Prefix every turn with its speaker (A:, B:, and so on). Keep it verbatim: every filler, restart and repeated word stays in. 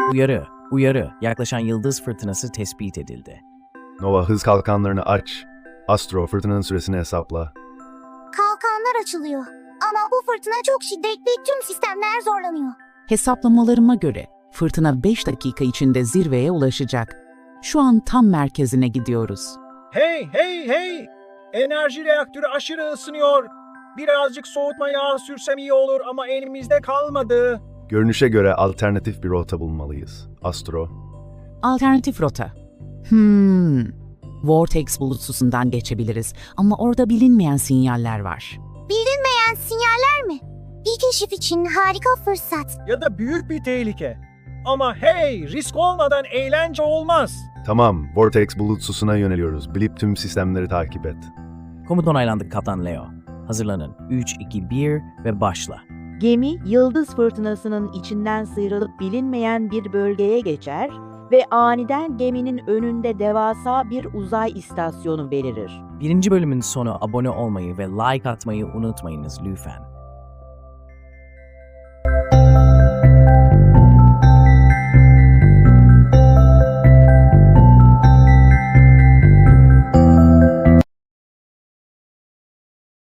A: Uyarı, uyarı. Yaklaşan yıldız fırtınası tespit edildi.
B: Nova, hız kalkanlarını aç. Astro, fırtınanın süresini hesapla.
C: Kalkanlar açılıyor. Ama bu fırtına çok şiddetli, tüm sistemler zorlanıyor.
D: Hesaplamalarıma göre fırtına beş dakika içinde zirveye ulaşacak. Şu an tam merkezine gidiyoruz.
E: Hey hey hey! Enerji reaktörü aşırı ısınıyor. Birazcık soğutma yağı sürsem iyi olur ama elimizde kalmadı.
B: Görünüşe göre alternatif bir rota bulmalıyız. Astro.
D: Alternatif rota. Hmm. Vortex bulutsusundan geçebiliriz ama orada bilinmeyen sinyaller var.
C: Bilinmeyen sinyaller mi? Bir keşif için harika fırsat.
E: Ya da büyük bir tehlike. Ama hey, risk olmadan eğlence olmaz.
B: Tamam, Vortex bulutsusuna yöneliyoruz. Blip tüm sistemleri takip et.
A: Komut onaylandı Kaptan Leo. Hazırlanın. üç, iki, bir ve başla.
F: Gemi, yıldız fırtınasının içinden sıyrılıp bilinmeyen bir bölgeye geçer ve aniden geminin önünde devasa bir uzay istasyonu belirir.
A: Birinci bölümün sonu abone olmayı ve like atmayı unutmayınız lütfen.